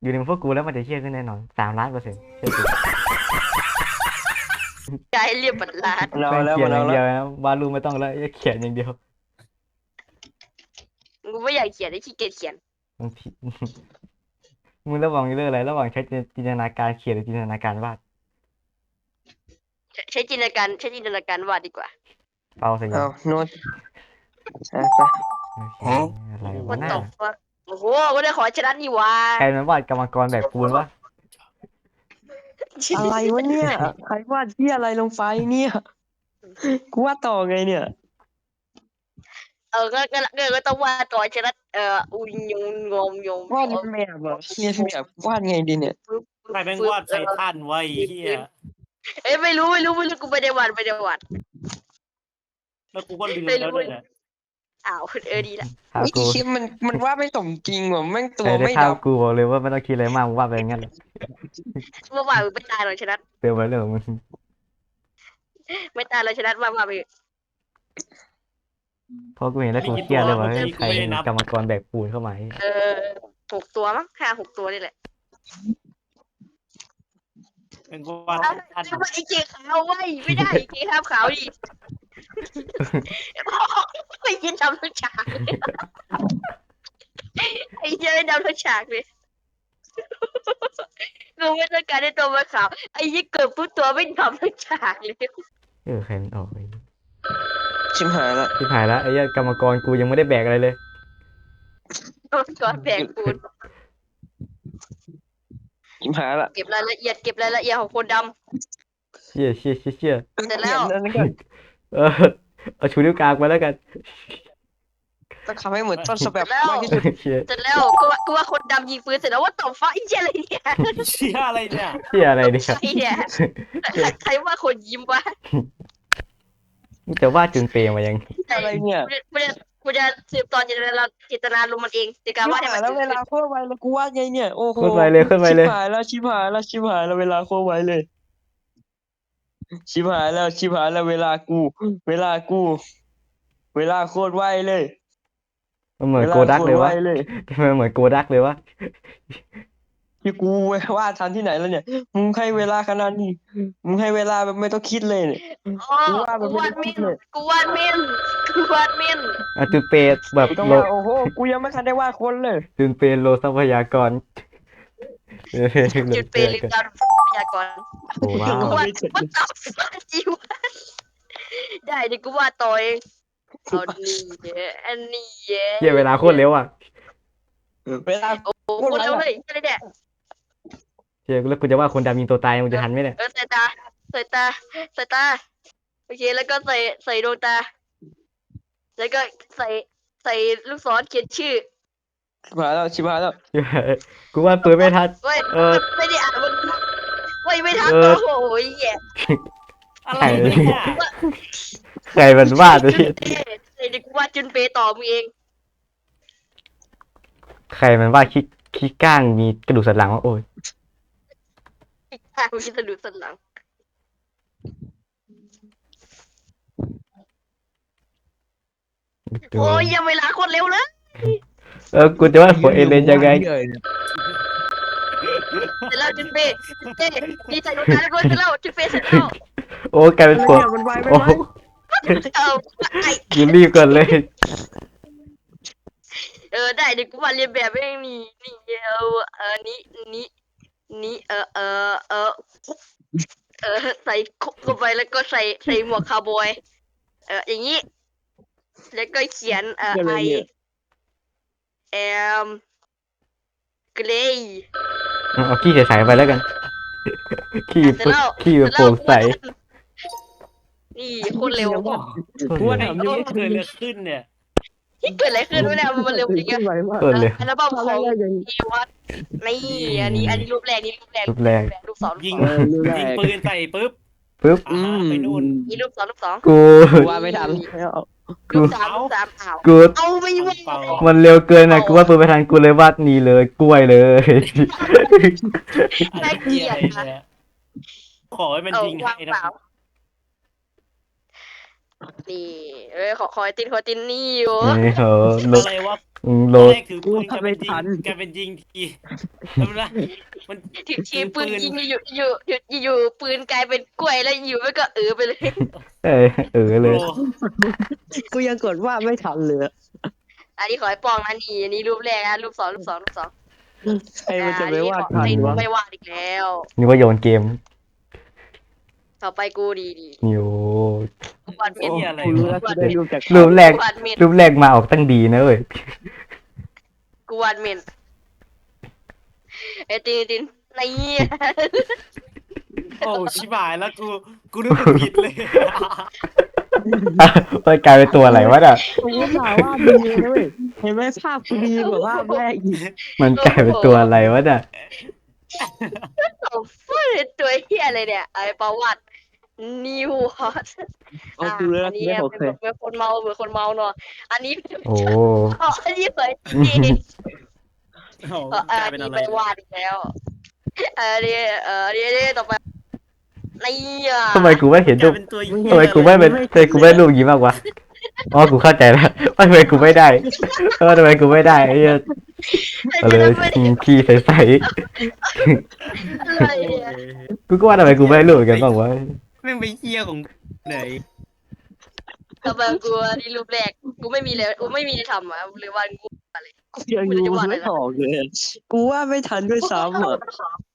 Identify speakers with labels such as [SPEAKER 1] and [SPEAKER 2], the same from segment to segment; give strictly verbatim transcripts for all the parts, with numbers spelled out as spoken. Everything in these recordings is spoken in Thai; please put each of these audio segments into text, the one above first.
[SPEAKER 1] อยู่ในพวกกูแล้วมันจะเชี่ยขึ้นแน่นอนสามล้านเปอร์เซ็นต์เชื่อกู
[SPEAKER 2] ใจเรียบบัตรลาด
[SPEAKER 3] เรา
[SPEAKER 1] แม่ง
[SPEAKER 3] แล้ว
[SPEAKER 1] เขียน
[SPEAKER 3] เรา
[SPEAKER 1] อย่าง
[SPEAKER 3] แล้
[SPEAKER 1] เดียว
[SPEAKER 3] ว
[SPEAKER 1] นะวาดรูปไม่ต้องแล้วเขียนอย่างเดียว
[SPEAKER 2] กูไม่อยากเขียนไอ้ขี้เกียจเขียน
[SPEAKER 1] มันผิดมึงระหว่างเรื่องอะไรระหว่างใช้จินตนาการเขียนหรือจินตนาการวาด
[SPEAKER 2] ใช้จินตนาการใช้จินตนาการวาดดีกว่า
[SPEAKER 1] เอาสิ
[SPEAKER 3] เอาโน้ตอ่ะไป
[SPEAKER 1] โอเคอะไร
[SPEAKER 2] วั
[SPEAKER 1] วะ
[SPEAKER 2] น
[SPEAKER 1] หน้า
[SPEAKER 2] ตกว่าโอ้โหก็ได้ขอชนะนี่วะ
[SPEAKER 1] ใครมันวาดกรรมกรแบบปูนวะ
[SPEAKER 3] อะไรวะเนี่ยใครวาดที่อะไรลงไปเนี่ยกูวาดต่อไงเนี่ย
[SPEAKER 2] เออก็ก็ก็ก็ต้องวาดต่อชนะเอ่ออุยยงงมยง
[SPEAKER 3] วาดเป็นแบบเหรอเรียนแบบวาดไงดีเนี่ย
[SPEAKER 4] ใครแม่งวาดไททันไว้เฮีย
[SPEAKER 2] เอ้ยไม่รู้ไม่รู้ไม่รู้กูไม่ได้วาดไม่ได้วาด
[SPEAKER 4] แล้วกูก็ลืมแล้วด้วยนะ
[SPEAKER 2] อ้าวเออดีละ
[SPEAKER 1] ภาพ
[SPEAKER 3] ไอ้
[SPEAKER 1] กู
[SPEAKER 3] คลิปมันมันวาดไม่สมจริงว่ะแม่งตัว
[SPEAKER 1] ใครได้
[SPEAKER 3] ไม่
[SPEAKER 1] ภา
[SPEAKER 3] ดั
[SPEAKER 1] พ
[SPEAKER 3] บ
[SPEAKER 1] กูบอกเลยว่าไม่ต้องคิดอะไรมากมึงวาดไปอย่างนั้นเลย
[SPEAKER 2] เมื่อวานมึงไม่ตายหรอกชนะ
[SPEAKER 1] เติมไปเรื่องของมึง
[SPEAKER 2] ไม่ตายหรอกชนะว่ามาไป
[SPEAKER 1] เพราะกูเห็นแล้วกูเครียดเลยว่าเฮ้ยใครมีกรรมกรแบบปูนเข้ามา
[SPEAKER 2] เออหกตัวมั้งห้าหกตัวนี่แหละ
[SPEAKER 4] เป็นวาด
[SPEAKER 2] เอา
[SPEAKER 4] ไททัน
[SPEAKER 2] เอาไอ้เจ๊ขาวไว้ไม่ได้ไอ้เจ๊ขาวขาวดิไม่ยินดำทั้งฉากไอ้เจ๊ดำทั้งฉากเลยกูไม่ต้องการให้ตัวมันขาวไอ้ยี่เกิดปุ๊บตัวไม่ดำทั้งฉากเลย
[SPEAKER 1] เออใครมันออกไป
[SPEAKER 3] ชิมหายละ
[SPEAKER 1] ที่ผ่านแล้วไอ้เหี้ยกรรมกรกูยังไม่ได้แบกอะไรเลย
[SPEAKER 2] ตัวก่อนแบกปูน
[SPEAKER 3] ชิมหายละ
[SPEAKER 2] เก็บรายละเอียดเก็บรายละเอียดของคนด
[SPEAKER 1] เชี่ยเชี่ยเชี่ยเชี่ย
[SPEAKER 2] เสร็จแล้ว
[SPEAKER 3] เขียนอันนั้นก็
[SPEAKER 1] เออเอาชูนิ้วกลางไปแล้วกัน
[SPEAKER 3] ต้องทำให้เหมือนต้นฉบับมากที่สุด
[SPEAKER 1] เชี่ย
[SPEAKER 2] เสร็จแล้วกูว่ากูว่าคนดำยิงปืนเสร็จแล้วว่าต่อฟ้าไอ้เจ๊อะไรเนี่ย
[SPEAKER 4] เชี่ยอะไรเนี่ย
[SPEAKER 1] เชี่ยอะไรเนี่ย
[SPEAKER 2] ใครเนี่ยใครใครว่าคนยิ้มวะ
[SPEAKER 1] มึงจะวาดจุนเปรมายัง
[SPEAKER 3] อะไรเนี่ย
[SPEAKER 2] กูจะกูจะสืบตอนจินตนาจินตนาลมณ์มันเองในการ
[SPEAKER 3] ชิบ
[SPEAKER 2] วาดให้
[SPEAKER 3] หา
[SPEAKER 2] มั
[SPEAKER 3] ย
[SPEAKER 2] น
[SPEAKER 3] แล้วเวลาโคตรไวเลยกูวาดไงเนี่ยโอ้โห
[SPEAKER 1] โคตรไวเลยโคตรไวเลย
[SPEAKER 3] ชิบหายแล้วชิบหายแล้วชิบหายแล้วเวลาโคตรไวเลย ชิบหายแล้วชิบหายแล้วเวลากู เวลากู เวลาโคตรไวเลย
[SPEAKER 1] มันเหมือนโกดักเลยวะ
[SPEAKER 3] วาโคตรไวเลย
[SPEAKER 1] มันเหมือนโกดักเลยวะ
[SPEAKER 3] ที่กูวาดทันที่ไหนแล้วเนี่ยมึงให้เวลาขนาดนี้มึงให้เวลาแบบไม่ต้องคิดเลยเนี่ย
[SPEAKER 2] อ๋อกูวาดเม่นกูวาดเม่นกูวาดเม่น
[SPEAKER 1] อ่ะจุนเปรแบบ
[SPEAKER 3] ไม่ต้อง
[SPEAKER 1] โล
[SPEAKER 3] ว่าโอ้โหกูยังไม่ทันได้วาดคนเลย
[SPEAKER 1] จุนเปรโลทรัพยากร
[SPEAKER 2] จุดเปริมดาวพยากร
[SPEAKER 1] โอ้ว้าว
[SPEAKER 2] กูวาดมันตอบฟ้าจิวได้เดี๋ยวกูวาดต่อเองเอานี่เย้อันนี้เย้
[SPEAKER 1] เชี่ยเวลาโคตรเร็วอ่ะ
[SPEAKER 3] เวลา
[SPEAKER 2] โอ้โหคนเร็วเลยอะไรเนี่ย
[SPEAKER 1] เชี่ยแล้วกูจะว่าคนดำยิงตัวตายมึงจะทันไหมเนี่ย
[SPEAKER 2] เออใส่ตาใส่ตาใส่ตาโอเคแล้วก็ใส่ใส่ดวงตา แล้วก็ใส่ใส่ลูกศรเขียนชื่อ
[SPEAKER 3] ชิบหายแล้วชิบหายแล้ว
[SPEAKER 1] กูว่าปืนไม่ทัน
[SPEAKER 2] เว้ย
[SPEAKER 1] เออ
[SPEAKER 2] ไม่ได้อ่านมันเว้ยไม่ทัน
[SPEAKER 1] เออ
[SPEAKER 2] โอ้โหแย่
[SPEAKER 4] อะไรเนี่ย
[SPEAKER 1] ใครมันวาดเลย
[SPEAKER 2] จุนเปใส่เด็กกูวาดจุนเปต่อมึงเอง
[SPEAKER 1] ใครมันวาดขี้ขี้ก้างมีกระดูกสันหลังวะโอ้ย
[SPEAKER 2] ข้างมีสะดุดสันหลังโอ้ยยังเวลาโคตรเร็วเลย
[SPEAKER 1] เออกูจะว่าหัวเอเลนยังไง
[SPEAKER 2] เสร็จแล้วจุนเปจุนเปดีใจดวงตาแล้วก็เสร็จแล้วจุนเปเสร็จแล้ว
[SPEAKER 1] โอ้กลายเป็นหัว
[SPEAKER 3] มันไวไม่
[SPEAKER 1] โอ้
[SPEAKER 3] ไว
[SPEAKER 2] เอาไอ
[SPEAKER 1] กูรีบก่อนเลย
[SPEAKER 2] เออได้เดี๋ยวกูวาดเรียนแบบไม่มีนี่เออเออนี้นี้นี้เออเออเออเออใส่คุกเข้าไปแล้วก็ใส่ใส่หมวกคาวบอยเอออย่างนี้ แล้วก็เขียนเอ่อไอแอมเกรย์
[SPEAKER 1] เอาขี้ใสๆไปแล้วกัน ขี้
[SPEAKER 2] เสร็จแล้ว
[SPEAKER 1] ขี้แบบโปร่งใส
[SPEAKER 2] นี่โคนเร็ว
[SPEAKER 3] กูว่า
[SPEAKER 4] ไอ้
[SPEAKER 3] ทำ
[SPEAKER 4] ต้
[SPEAKER 3] ยัง
[SPEAKER 4] น
[SPEAKER 3] ไง
[SPEAKER 4] เคยเลือกขึ้นเนี่ย
[SPEAKER 2] ที่เกิดอะไรขึ้นวะเนี่ยมันเร็วจริง
[SPEAKER 3] ขึ้
[SPEAKER 2] อะ
[SPEAKER 3] นไวมาก
[SPEAKER 1] ต้นเลย
[SPEAKER 2] อัลบั้มของอีวัตนี่อันนี้อันนี้รูปแรกนี่รูปแรก
[SPEAKER 1] รูปแรก
[SPEAKER 2] รูปสองรูป
[SPEAKER 4] ยิง
[SPEAKER 2] สอง
[SPEAKER 4] ยิงปืนใส่ปุ๊บ
[SPEAKER 1] ปึ๊บ
[SPEAKER 4] อ่าไปนู่น
[SPEAKER 2] นี่รูปสองรูปสอง
[SPEAKER 1] กู
[SPEAKER 3] กูว่าไม่ทันแล้ว
[SPEAKER 2] รูปสามรูปสามอ้าว
[SPEAKER 1] กู
[SPEAKER 2] เอาไม่ไหว
[SPEAKER 4] เปล่า
[SPEAKER 1] มันเร็วเกินอ่ะกูว่าปืนไปทันกูเลยวาดนี่เลยกล้วยเลย
[SPEAKER 4] ไอ้เกียอะไรเนี่ยขอให้มัน
[SPEAKER 2] เอา
[SPEAKER 4] ยิง
[SPEAKER 2] วาง
[SPEAKER 4] ให้
[SPEAKER 2] เป
[SPEAKER 4] นะ
[SPEAKER 2] ล่านี่เอ้ยขอคอยตินขอตินนี่อยู่
[SPEAKER 1] นี่เหรอล
[SPEAKER 4] อะ
[SPEAKER 1] บ
[SPEAKER 4] ไรวะ
[SPEAKER 1] อืมโล
[SPEAKER 4] ตอน
[SPEAKER 1] ด
[SPEAKER 4] แรกถือปืนกลายเป็นยิงกลายเป็นยิงทีแล้วมันละมัน
[SPEAKER 2] ถือทีปืนยิงอยู่อยู่อยู่อยู่อยู่ปืนกลายเป็นกล้วยแล้วอยู่ไม่ก็เออไปเลย
[SPEAKER 1] เออเออเลย
[SPEAKER 4] โปร
[SPEAKER 3] กูยังกดว่าไม่ทันเลยอะ
[SPEAKER 2] อันนี้ขอให้ปองนะนี่อันนี้รูปแรกนะรูปสองรูปสองรูปสอง
[SPEAKER 3] ใครมันจะไปวาด
[SPEAKER 2] อ่
[SPEAKER 3] ทัน
[SPEAKER 2] อันนี้ขอ
[SPEAKER 3] วะ
[SPEAKER 2] ไม่วาดอีกแล้ว
[SPEAKER 1] นี่ว่าโยนเกม
[SPEAKER 2] ต่อไปกูดีดี
[SPEAKER 1] นิว
[SPEAKER 2] กูวาดเม็ด
[SPEAKER 4] เหี้ยอะไร
[SPEAKER 3] กูรู้
[SPEAKER 4] วะ
[SPEAKER 3] แล้วกูได้รูปจาก
[SPEAKER 1] รูปแรก
[SPEAKER 2] กูวาดเม็ด
[SPEAKER 1] รูปแรกมาออกตั้งดีนะเว้ย
[SPEAKER 2] กูวาดเม็ดไอ้ตินตินนี่
[SPEAKER 4] โอ้ชิบหายแล้วกูกูนึกว่าผิดเลย
[SPEAKER 1] มันกลายเป็นตัวอะไรวะน่ะ
[SPEAKER 3] กูก็ถามว่าดีนะเว้ยเห็นไหมภาพกูดีกว่าภาพแรกอีก
[SPEAKER 1] มันกลายเป็นตัวอะไรวะน่ะ
[SPEAKER 2] โอ้ฟูตัวเฮียอะไรเนี่ยไอ้ประวัตินิวฮอต
[SPEAKER 3] เอากูเลย
[SPEAKER 2] อั
[SPEAKER 3] นะ
[SPEAKER 2] นนี้
[SPEAKER 3] ไม่โอ
[SPEAKER 2] เป็
[SPEAKER 3] เคน
[SPEAKER 2] แบบเป็นคนเมาเหมือนคนเมาเนาะอันนี้
[SPEAKER 1] โอ้
[SPEAKER 2] อ๋ออันนี้เผยจริง
[SPEAKER 4] โอ้
[SPEAKER 2] เอออั
[SPEAKER 4] กลาย
[SPEAKER 2] น
[SPEAKER 4] เป็น
[SPEAKER 2] นี้
[SPEAKER 4] อะไร
[SPEAKER 2] ไปวาดอีกแล้วอันนี้เอออันนี้อันนี้ต่อไปนี่อ่ะ
[SPEAKER 1] ทำไมกูไม่เห็น
[SPEAKER 4] ก
[SPEAKER 1] รู
[SPEAKER 4] ลาย
[SPEAKER 1] ป
[SPEAKER 4] เป็นตัว
[SPEAKER 1] ทำไมกูไม่เป็นทำไมกูไม่รูปอย่างนี้มากวะอ๋อกูเข้าใจแล้วว่าทำไมกูไม่ได้เออทำไมกูไม่ได้ไอ้เหี้ย
[SPEAKER 2] อัน
[SPEAKER 1] เอา
[SPEAKER 2] นี้
[SPEAKER 1] เลย
[SPEAKER 2] ไม่ได้
[SPEAKER 1] ขี้ใส
[SPEAKER 2] อะไรเนี่ย
[SPEAKER 1] ๆกูก็ว่าทำไมกูไม่รู้เหมือนกันบ้างวะ
[SPEAKER 4] แม่งไปเหี้ยของไหน
[SPEAKER 2] ต่อไปกูอันนี้รูปแรกกูไม่มีเลยกูไม่มีอะไรทำอ่ะเลยวาดกูอะไร
[SPEAKER 3] กูยังดูไม่ออกเลยอะกูว่าไม่ทันด้วยซ้ำอ่ะ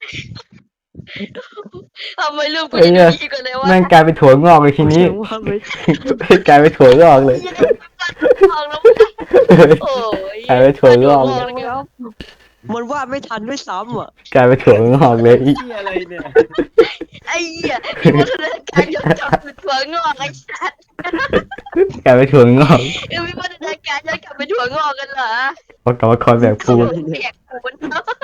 [SPEAKER 2] ทำไมรูปกูจะดีกว่าเลยวะ
[SPEAKER 1] แม่งกลายเป็นถั่วงอกเลยทีนี้
[SPEAKER 3] กูว่าไม่
[SPEAKER 1] กลายเป็นถั่วงอกเลย
[SPEAKER 2] มองแล้วโอ้ย
[SPEAKER 1] กลายเป็นถั่วงอก
[SPEAKER 2] ม
[SPEAKER 1] เล
[SPEAKER 2] อย งแล้ว
[SPEAKER 3] มันว่าไม่ทันด้วยซ้ำอ่ะ
[SPEAKER 1] กลายเป็นถั่วงอกเลยอี
[SPEAKER 4] เหี้ยอะไรเนี่ย
[SPEAKER 2] ไอ้เหี้ยมีวัฒนการย้อนกลับเป็นถั่วงอกไอ้สัตว์
[SPEAKER 1] กลายเป็นถั่วงอก
[SPEAKER 2] เออมีวัฒนการย้อนกลับเป็นถั่วงอกกันเหรอ
[SPEAKER 1] เพราะกลับมาคอนแบบปูน
[SPEAKER 2] แบกปูน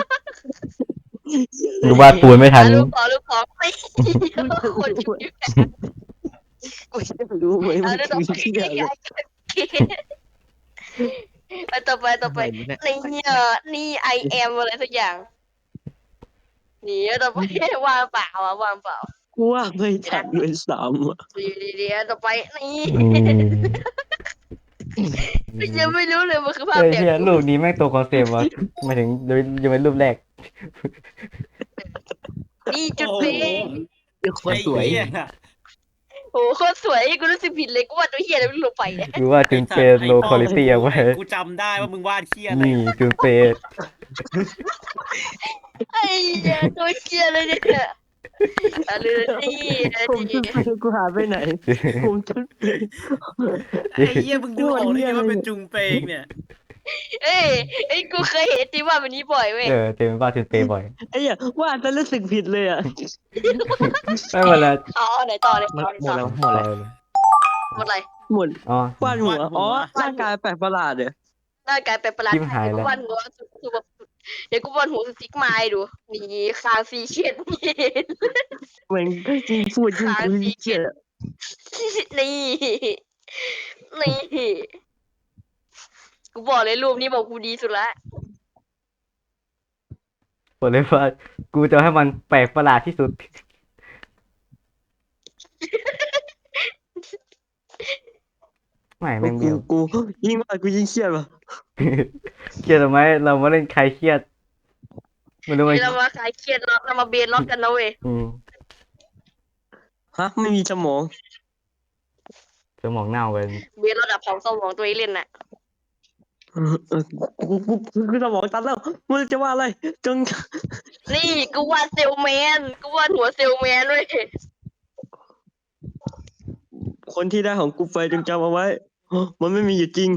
[SPEAKER 1] กูวาดปูนไม่ทัน
[SPEAKER 2] ลูกขอลูกขอไม่คนอยู่
[SPEAKER 3] กูจะรู้ไหม
[SPEAKER 2] อั
[SPEAKER 3] มัน น
[SPEAKER 2] นี้ต่อ
[SPEAKER 3] คือ
[SPEAKER 2] ไป
[SPEAKER 3] ที่อะไร
[SPEAKER 2] อันต่อไปต่อไปนี่เออนี่ไอแอมอะไรสักอย่าง นี่ต่อไปวางเปล่าอ่ะวางเปล่า
[SPEAKER 3] กูว่าไม่ทันด้วยซ้ำอ่ะ
[SPEAKER 2] ดีดีดีต่อไปนี่
[SPEAKER 1] อืม
[SPEAKER 2] ยังไม่รู้เลยมันคือภาพ
[SPEAKER 1] เฮ้ย
[SPEAKER 2] แบ
[SPEAKER 1] เฮีย
[SPEAKER 2] บ
[SPEAKER 1] รูปนี้แม่งตัวคอนเซปต์วะหมายถึงยังเป็นรูปแรก
[SPEAKER 2] นี่จุด
[SPEAKER 4] โอ้
[SPEAKER 2] เป
[SPEAKER 4] โห
[SPEAKER 3] เป็นคน
[SPEAKER 4] ไอ้
[SPEAKER 3] สวย
[SPEAKER 4] เหี้ย
[SPEAKER 2] โอ้โหโคตรสวยกูรู้สึกผิดเลยกูว่าตัวเฮียอะไรไม่รู้ลงไปเนี่ย
[SPEAKER 1] กูว่าจุนเปย์โลคอลิตี้เอาไว้
[SPEAKER 4] กูจำได้ว่ามึงวาดเหี้ยอะไร
[SPEAKER 1] นี่จุนเปย์
[SPEAKER 2] ไอ้เหี้ยตัวเฮียเลยเนี่ยอะไรนี่
[SPEAKER 3] ผมจุดไปกูหาไปไหนผมจุดไป
[SPEAKER 4] ไอ้เหี้ยมึงดูออกได้ไงว่าเป็นจุงเปงเนี่ย
[SPEAKER 2] เอ้ยไอ้กูเคยเห็นตีว่าแบบนี้บ่อยเว้ย
[SPEAKER 1] เออเต็มว่าจุนเปย์บ่อย
[SPEAKER 3] ไอ้เหี้ยว่าจะรู้สึกผิดเลยอ่ะ
[SPEAKER 1] ไม่เวลา
[SPEAKER 2] อ๋อไหนต่อเลยต่อ
[SPEAKER 3] หมด
[SPEAKER 2] ต่อ
[SPEAKER 3] แล้วหมดแล้ว
[SPEAKER 2] หมดอะไร
[SPEAKER 3] หมด
[SPEAKER 1] อ๋อ
[SPEAKER 3] วาดหัวอ๋อร่างกายแปลกประหลาดเนี่ย
[SPEAKER 2] ร่างกายเป็นประหลาด
[SPEAKER 1] ชิบหายแล้ว
[SPEAKER 2] กูวันหัวคือแบบเดี๋ยวกูวันหัวสติ๊กไม้ดูนี่คางซีเชียนนี่
[SPEAKER 3] เหมือนจริงพูดจริงกูเกลียด
[SPEAKER 2] นี่นี่กูบอกเลยรูปนี้บอกกูดีสุดละ
[SPEAKER 1] บอกเลยว่ากูจะให้มันแปลกประหลาดที่สุด ไม่แม่ง
[SPEAKER 3] กู
[SPEAKER 1] เดียว
[SPEAKER 3] กูยิ่งว่ากูยิ่งเครียดว่ะ
[SPEAKER 1] เครียดทำไมเรามาเล่นใครเครียดไม่รู้ไหม
[SPEAKER 2] เรามาขายเครียดเราเรามาเบนล็อกกันนะเว้ย
[SPEAKER 1] อืม
[SPEAKER 3] ฮะไม่มีสมอง
[SPEAKER 1] สมองเน่ากัน
[SPEAKER 2] เบนระดับของสมองตัวเองเล่นน่ะ
[SPEAKER 3] เออเออกูกูกูกูสมองตันแล้วมึงจะว่าอะไรจง
[SPEAKER 2] นี่กูวาดเซลแมนกูวาดหัวเซลแมนเว้ย
[SPEAKER 3] คนที่ได้ของกูไปจงจำเอาไว้ มันไม่มีอยู่จริง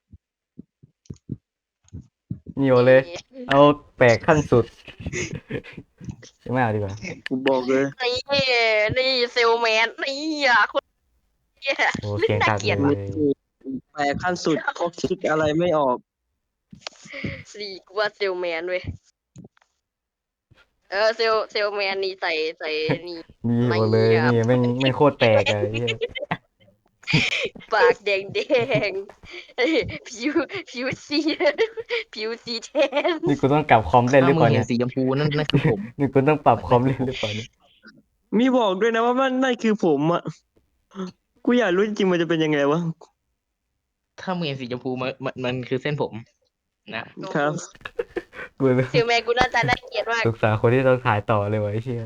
[SPEAKER 1] นี่โอเลย เอาแปลกขั้นสุดไม่เอาดีกว่า
[SPEAKER 3] กูบอกเลย
[SPEAKER 2] นี่นี่เซลแมนนี่อ่ะคนเหี้ย
[SPEAKER 1] โอ้เสียงขาดเลย
[SPEAKER 3] แปลขั้นสุดเขาคิดอะไรไม่ออก
[SPEAKER 2] นี่กูวาดเซลแมนเว้ยเออเซลเซลแมนนี่ใส่ใส่นี่
[SPEAKER 1] นี่โอเลยนี่แม่งแม่งโคตรแปลกอะไอ้เหี้ย
[SPEAKER 2] ปากแดงแดงเอ้ยผิวผิวสีผิวสีแทน
[SPEAKER 1] นี่กูต้องกลับคอมเล่นหรือเปล่า
[SPEAKER 5] ถ้ามึง
[SPEAKER 1] เนี่
[SPEAKER 5] เห็
[SPEAKER 1] ย
[SPEAKER 5] นสีชมพูนั่นนั่นคือผม
[SPEAKER 1] นี่กูต้องปรับคอมเล่นหรือเปล่าเนี่ย
[SPEAKER 3] มีบอกด้วยนะว่ามันนั่นคือผมอ่ะ กูอยากรู้จริงๆมันจะเป็นยังไงวะ
[SPEAKER 5] ถ้ามึงเห็นสีชมพูมันมันมันคือเส้นผม
[SPEAKER 3] ครับ
[SPEAKER 1] กู
[SPEAKER 2] ถึงแม้กูหน้าตาน่าเกลียดมาก
[SPEAKER 1] สงสารคนที่ต้องถ่ายต่อเลยวะไอ้เชี่ย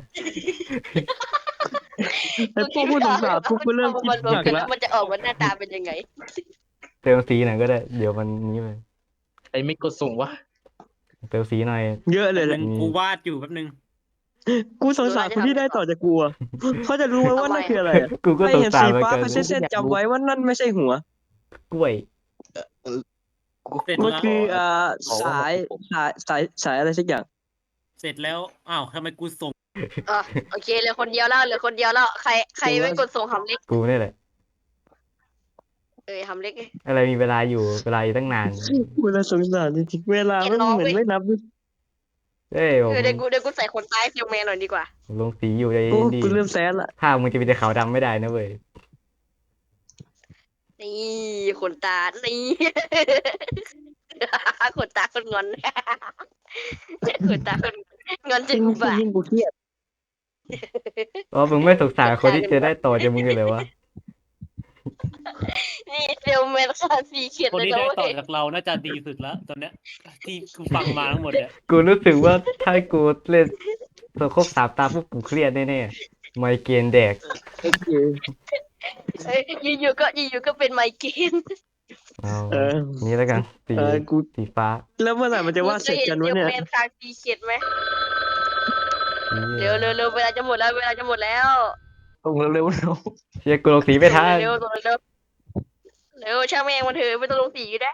[SPEAKER 3] ไอ้พวกผู้สงสารพวกกูเริ่มคิด
[SPEAKER 2] มันรว
[SPEAKER 3] ห
[SPEAKER 2] ม
[SPEAKER 3] นัก
[SPEAKER 2] กันแล้
[SPEAKER 3] แล้ว ว
[SPEAKER 2] มันจะออกมาหน้าตาเป็นยังไง
[SPEAKER 1] เติมสีหน่อยก็ได้เดี๋ยวมันนี้ไป
[SPEAKER 4] ใครไม่กดส่งวะ
[SPEAKER 1] เติมสีหน่อย
[SPEAKER 3] เยอะเลยแห
[SPEAKER 4] นึ
[SPEAKER 3] ละ
[SPEAKER 4] งกูวาดอยู่แป๊บนึง
[SPEAKER 3] กูสงสารคนที่ได้ต่อจากกูอะเขาจะรู้ไหมว่านั่นคืออะไรอะ
[SPEAKER 1] กูก็
[SPEAKER 3] ไม่
[SPEAKER 1] สง
[SPEAKER 3] เห็น
[SPEAKER 1] สาร
[SPEAKER 3] สี
[SPEAKER 1] เหมือน
[SPEAKER 3] ฟ้า
[SPEAKER 1] กัน
[SPEAKER 3] เขาเส้นๆจำไว้ว่านั่นไม่ใช่หัว
[SPEAKER 1] กล้วย
[SPEAKER 4] เสร็จ
[SPEAKER 3] มัน
[SPEAKER 4] แล้ว
[SPEAKER 3] คืออ่าสายสายสายสายอะไรสักอย่าง
[SPEAKER 4] เสร็จแล้วอ้าวทำไมกูส่ง
[SPEAKER 2] อ่ะโอเคเหลือคนเดียวแล้วเหลือคนเดียวแล้วใครใครไม่กดส่งหำเล็ก
[SPEAKER 1] กูนี่แหละ
[SPEAKER 2] เอ้ยหำเล็ก
[SPEAKER 1] อะไรมีเวลาอยู่เวลาอยู่ตั้งนาน
[SPEAKER 3] เวลาสงสารจริงๆเวลามันเหมือนไม่นับ
[SPEAKER 1] เอ้ยผม
[SPEAKER 2] เออเดี๋ยวกูเดี๋ยวกูใส่ขนตายฟิลแมนหน่อยดีกว่า
[SPEAKER 1] ลงสีอยู่ใจ
[SPEAKER 3] โอ้
[SPEAKER 1] ดี
[SPEAKER 3] กูเริ่มแซนละ
[SPEAKER 1] ภาพมึงจะเป็นแต่ขาวดำไม่ได้นะเว้ย
[SPEAKER 2] นี่ขนตา นี่ ขนตาคนงอน ขนตาคนงอนจริ
[SPEAKER 3] ยิ่
[SPEAKER 2] ง
[SPEAKER 3] ง
[SPEAKER 2] ป่ะ
[SPEAKER 3] ยิ่งกูเครียด
[SPEAKER 1] อ๋อมึงไม่สงสารคนที่จะได้ต่อจากมึงเลยเหรอวะ
[SPEAKER 2] นี่เซลแมนค่าสีเขียน
[SPEAKER 4] คน
[SPEAKER 2] เลย
[SPEAKER 4] ที่
[SPEAKER 2] นะ
[SPEAKER 4] ได้ต่อ
[SPEAKER 2] เว้ย
[SPEAKER 4] จากเราน่าจะดีสุดแล้วตอนเนี้ยที่กูฟังมาทั้งหมดเนี่ย
[SPEAKER 1] กูรู้สึกว่าถ้ากูเล่นโซครบสามตาปุ๊บกูเครียดแน่ๆไมเกรนแดก
[SPEAKER 3] โอเค
[SPEAKER 2] เอ้ยอยู่ๆก็อยู่ๆก็เป็นไมเกรน
[SPEAKER 1] เอา
[SPEAKER 3] เออ
[SPEAKER 1] นี่แล้วกันสี
[SPEAKER 3] เออกู
[SPEAKER 1] สีฟ้า
[SPEAKER 3] แล้วเมื่อไหร่มันจะวาดเสร็จกันวะเนี่ย
[SPEAKER 2] เซลแมนค่าสีเขียนไหมเร็วเร็วเร็วเวลาจะหมดแล้วเวลาจะหมดแล้ว
[SPEAKER 3] ส่งเร็วๆเร็ว
[SPEAKER 1] เชียกูลงสีไม่ทัน
[SPEAKER 2] เร็วเร็วเร็วเร็วช่างแม่งมันเถอะไม่ต้องลงสีก็ได้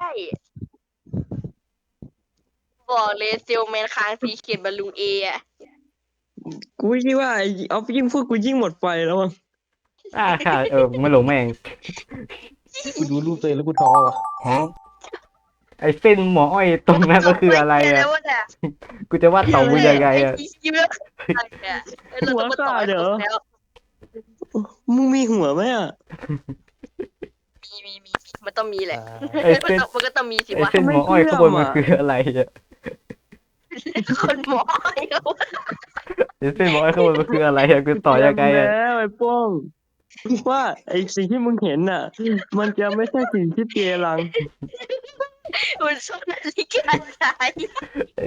[SPEAKER 2] บอกเลยเซลแมนค้างสีเขียนบอลลูนเออะ
[SPEAKER 3] กูคิดว่าไอ้เอายิ่งพูดกูยิ่งหมดไฟแล้วมั้ง
[SPEAKER 1] อ่าค่ะเออไม่หลงแม่ง
[SPEAKER 4] กูดูรูปตัวเองแล้วกูท้อว่ะ
[SPEAKER 1] ไอ้เส้นหมออ้อยตรงนั้นก็คืออะไร
[SPEAKER 2] ม่
[SPEAKER 1] อ่ะ
[SPEAKER 2] แล้วว่าเนี่ย
[SPEAKER 1] กูจะวาดเต่ามือยังไงอ่ะ
[SPEAKER 2] ไอ้คิวแล้วอะไรอะเออเราต้องมาต่อให้ครบแล้ว
[SPEAKER 3] มึงมีหัวไหมอ่ะ
[SPEAKER 2] มีมีมีมันต้องมีแหละ
[SPEAKER 1] ไอ้
[SPEAKER 2] มัน
[SPEAKER 1] เส้น
[SPEAKER 2] ต้องมันก็ต้องมีสิ
[SPEAKER 1] ไอ้
[SPEAKER 2] วะ
[SPEAKER 1] เส้นหมออ้อยข้างบนมันคืออะไรอ่ะ
[SPEAKER 2] คนหมอไอ้เขา
[SPEAKER 1] ไอ้เส้นหมออ้อยข้างบนมันคืออะไรอ่ะกูต่อยังไงอ่ะ
[SPEAKER 3] แล้วไอ้ป้องว่าไอ้สิ่งที่มึงเห็นน่ะ มันจะไม่ใช่สิ่งที่เจรัง
[SPEAKER 2] มันชอบนาฬิกาสาย
[SPEAKER 1] ไอ้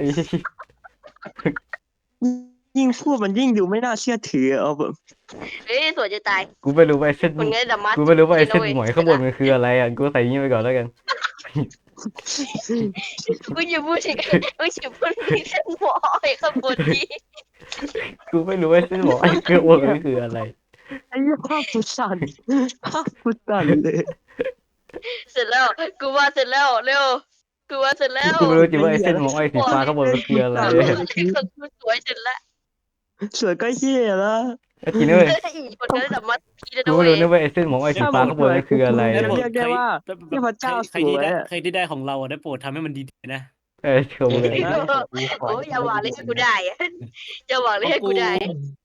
[SPEAKER 3] ยิ่งพูดมันยิ่งดูไม่น่าเชื่อถือเอาแบบ
[SPEAKER 2] เฮ้ยสวยจะตาย
[SPEAKER 1] กูไม่รู้ว่าไอ้เส้น
[SPEAKER 2] คนงี้ดัมมัส
[SPEAKER 1] กูไม่รู้ว่าไอ้เส้นหมอยข้างบนมันคืออะไรอ่ะกูใส่ยี่ไปก่อนแล้วกัน
[SPEAKER 2] กูอย่าพูดถึงกูอย่าพูดถึงเส้นหมอไอ้ข้างบนนี้
[SPEAKER 1] กูไม่รู้ว่าเส้นหมออ้อยข้างบนมันคืออะไร
[SPEAKER 3] ไอ้ยี่ภาพกูสั่นภาพกูสั่นเลย
[SPEAKER 2] เสร็จแล้วกูว่าเสร็จแล้วเร็วกูว่าเสร็จแล้ว
[SPEAKER 1] กูไม่รู้จริงว่าไอ้เส้นหมออ้อยสีฟ้าข้างบนมันคืออะไร
[SPEAKER 2] ไอ้คนกูสวยเสร็จแล้ว
[SPEAKER 3] สวยก็เฮียแล้ว
[SPEAKER 1] ไอ้ทีนี้เว้ย
[SPEAKER 2] คนนี้ดัมมัสพี่นะ
[SPEAKER 1] กูไม่
[SPEAKER 2] เว้
[SPEAKER 1] รู้
[SPEAKER 2] ย
[SPEAKER 1] นะว่าไอ้เส้นหมออ้อยสีฟ้าข้างบนมันคืออะไร
[SPEAKER 3] ด้
[SPEAKER 1] อะ
[SPEAKER 3] โปด เรียกได้ว่าเทพเจ้า
[SPEAKER 4] ใครที่ได้
[SPEAKER 3] สวยอะ
[SPEAKER 4] ใครที่ได้ของเราอะได้โปรดทำให้มันดีๆนะ
[SPEAKER 1] เออชมเลย
[SPEAKER 2] โอ้ยอย่าหวังเลยให้กูได้อะอย่าหวังเลยให้กูได้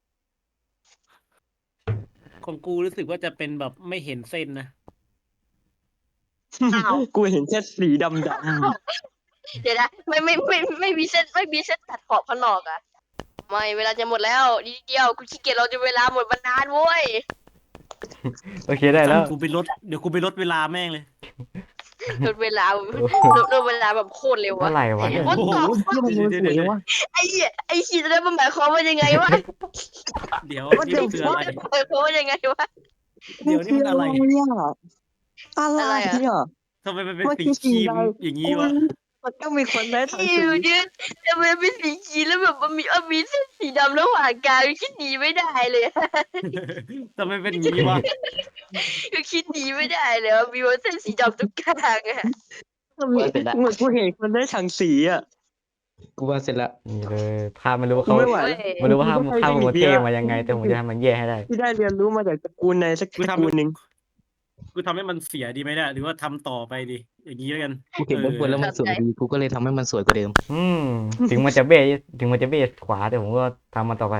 [SPEAKER 4] ของกูรู้สึกว่าจะเป็นแบบไม่เห็นเส้นนะ
[SPEAKER 2] อ้าว
[SPEAKER 3] กูเห็นแค่สีดำด
[SPEAKER 2] เดี๋ยวนะไม่ไม่ไม่ไม่มีเส้นไม่มีเส้นตัดขอบข้างนอกอะไม่เวลาจะหมดแล้วนิดเดียวกูขี้เกียจเราจะเวลาหมดมานานเว้ย
[SPEAKER 1] โอเคได้แล้ว
[SPEAKER 4] กูไปลดเดี๋ยวกูไปลดเวลาแม่งเลย
[SPEAKER 2] ลดเวลาลดลดเวลาแบบโคตรเร็ว
[SPEAKER 1] เมื่อ
[SPEAKER 2] อะ
[SPEAKER 1] ไหร่วะเนี่ย
[SPEAKER 2] What
[SPEAKER 3] ำ
[SPEAKER 2] the
[SPEAKER 3] โอ้โห
[SPEAKER 2] fuck
[SPEAKER 3] เหี้ยมันสวยจังวะ
[SPEAKER 2] ไอ้เหี้ยไอ้ขีดนั้นมันหมายความว่ายังไงวะ
[SPEAKER 4] เดี๋ยว
[SPEAKER 3] What
[SPEAKER 4] นี่
[SPEAKER 3] the
[SPEAKER 4] มันคืออะไร
[SPEAKER 2] หมายความว่ายังไงวะ
[SPEAKER 4] เดี๋ยวนี่มันอะไร
[SPEAKER 3] อะไร
[SPEAKER 2] อะไรอะ
[SPEAKER 3] เนี่ย
[SPEAKER 4] ทำไมมันเป็น
[SPEAKER 3] มัน
[SPEAKER 4] สี
[SPEAKER 3] คือ
[SPEAKER 4] ครีม
[SPEAKER 3] สีอะไร
[SPEAKER 4] อย่างนี้วะ
[SPEAKER 3] มันต้องมีคนได้ทั้ง
[SPEAKER 2] อิ
[SPEAKER 3] สี
[SPEAKER 2] วเนี่ยทำไมเป็นสีขีดแล้วแบบมันมีเออมีเส้นสีดำระหว่างกลางคิดหนีไม่ได้เลยอะ
[SPEAKER 4] ทำไมเป็นอย่างนี้วะ
[SPEAKER 2] คือคิดหนีไม่ได้เลยว่ามีเส้นสีดำตรงกลางอะ
[SPEAKER 3] เหมือนกูเห็นคนได้ทั้งสีอ่ะ
[SPEAKER 5] กูว่าเสร็จละ
[SPEAKER 1] นี่เลยภาพไม่รู้ว่า
[SPEAKER 3] กู
[SPEAKER 1] เขา
[SPEAKER 3] ไม่ไหว
[SPEAKER 2] เว้
[SPEAKER 3] แล้ว
[SPEAKER 1] ไม่รู้ว่าภาพ
[SPEAKER 3] กูก็
[SPEAKER 1] ภาพ
[SPEAKER 3] ใช้
[SPEAKER 1] มัน
[SPEAKER 3] วิธี
[SPEAKER 1] เท่
[SPEAKER 3] อะ
[SPEAKER 1] มายังไง แต่ผมจะทำมันแย่ให้ได้
[SPEAKER 3] ที่ได้เรียนรู้มาจากตระกูลในสักตระกูลหนึ่ง
[SPEAKER 4] กูทำให้มันเสียดีไหมเนี่ยหรือว่าทำต่อไปดี อย่างนี้แล้วกัน
[SPEAKER 5] กูเห็นด้านบนแล้วมันสวยดีกูก็เลยทำให้มันสวยกว่าเดิม
[SPEAKER 1] อืมถึงมันจะเบ้ถึงมันจะเบ้ขวาแต่ผมก็ทำมันต่อไป